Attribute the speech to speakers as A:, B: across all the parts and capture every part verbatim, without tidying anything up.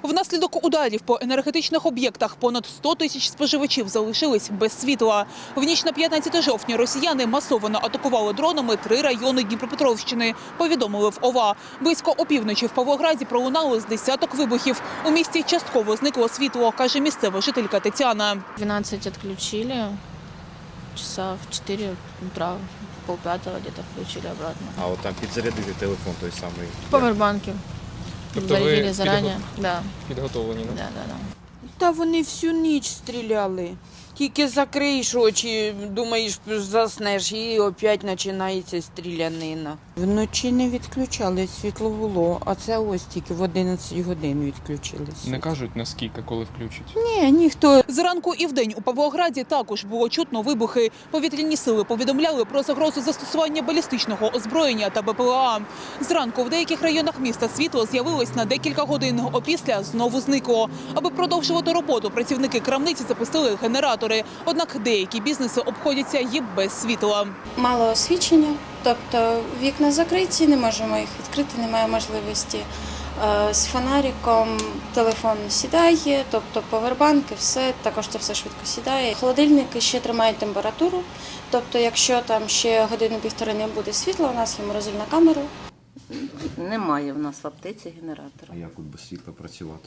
A: Внаслідок ударів по енергетичних об'єктах понад сто тисяч споживачів залишились без світла. В ніч на п'ятнадцяте жовтня росіяни масово атакували дронами три райони Дніпропетровщини, повідомили в ОВА. Близько опівночі в Павлограді пролунало з десяток вибухів. У місті частково зникло світло, каже місцева жителька Тетяна.
B: двенадцать отключили, часа в четыре утра, полпятого где-то включили обратно.
C: А от там підзарядити телефон той самий.
B: Павербанки.
D: Тобто
B: Зарядили
D: ви
B: зарані. Да.
D: підготовлені,
B: Да,
D: не?
B: да, да.
E: Та вони всю ніч стріляли. Тільки закриєш очі, думаєш, заснеш, і опять починається стрілянина. Вночі не відключали, світло було, а це ось тільки в одинадцять годин відключили.
D: Не кажуть, наскільки, коли включать?
E: Ні, ніхто.
A: Зранку і вдень у Павлограді також було чутно вибухи. Повітряні сили повідомляли про загрозу застосування балістичного озброєння та Б П Л А. Зранку в деяких районах міста світло з'явилось на декілька годин, опісля знову зникло. Аби продовжувати роботу, працівники крамниці запустили генератори. Однак деякі бізнеси обходяться і без світла.
F: Мало освітлення, тобто вікна закриті, не можемо їх відкрити, немає можливості. З фонариком телефон сідає, тобто павербанки, все, також це все швидко сідає. Холодильники ще тримають температуру, тобто якщо там ще годину-півтори не буде світла, у нас є морозильна камера.
G: Немає в нас в аптеці генератора.
C: А як от без світла працювати?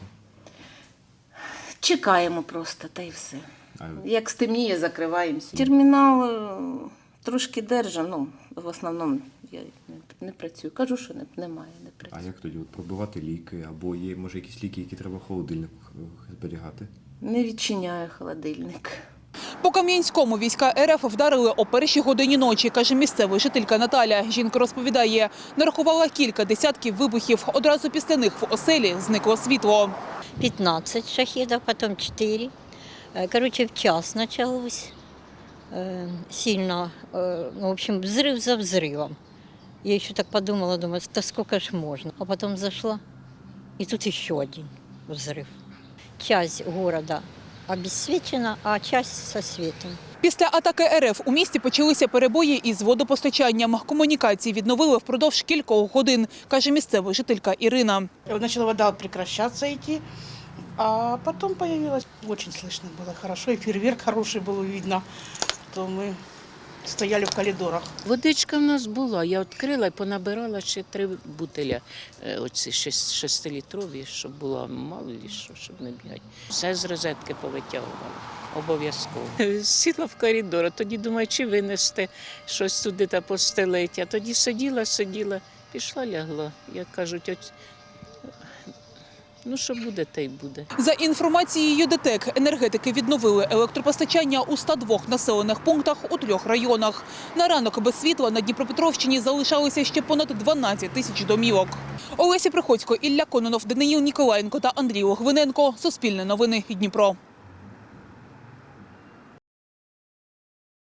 G: Чекаємо просто, та й все.
C: А
G: Як стемніє, закриваємося. Термінал е, трошки держа, ну, в основному я не, не працюю. Кажу, що не, немає, не
C: А
G: працюю.
C: як тоді от пробивати ліки? Або є, може, якісь ліки, які треба в холодильнику зберігати?
G: Не відчиняю холодильник.
A: По Кам'янському війська Ер Еф вдарили о першій годині ночі, каже місцева жителька Наталя. Жінка розповідає, нарахувала кілька десятків вибухів. Одразу після них в оселі зникло світло.
H: пятнадцать шахедов, потом четыре. Короче, в час началось. Э, Сильно, э, ну, в общем, взрыв за взрывом. Я еще так подумала, думаю, да сколько ж можно. А потом зашла, и тут еще один взрыв. Часть города обесцвечена, а часть со светом.
A: Після атаки Ер Еф у місті почалися перебої із водопостачанням. Комунікації відновили впродовж кількох годин, каже місцева жителька Ірина.
I: Начала вода прекращаться идти, а потом появилась, очень слышно было хорошо, и фейерверк хороший было видно, то мы стояли в коридорах.
J: Водичка в нас була, я відкрила і понабирала ще три бутиля, е, оці шест- шестилітрові, щоб було мало ли що, щоб не бігати. Все з розетки повитягувала, обов'язково. Сіла в коридор, а тоді думаю, чи винести щось туди та постелити. А тоді сиділа, сиділа, пішла, лягла. Як кажуть, от, ну що буде, те й буде.
A: За інформацією Де Тек, енергетики відновили електропостачання у ста двох населених пунктах у трьох районах. На ранок без світла на Дніпропетровщині залишалися ще понад дванадцять тисяч домівок. Олеся Приходько, Ілля Кононов, Даниїл Ніколаєнко та Андрій Логвиненко. Суспільне новини, Дніпро.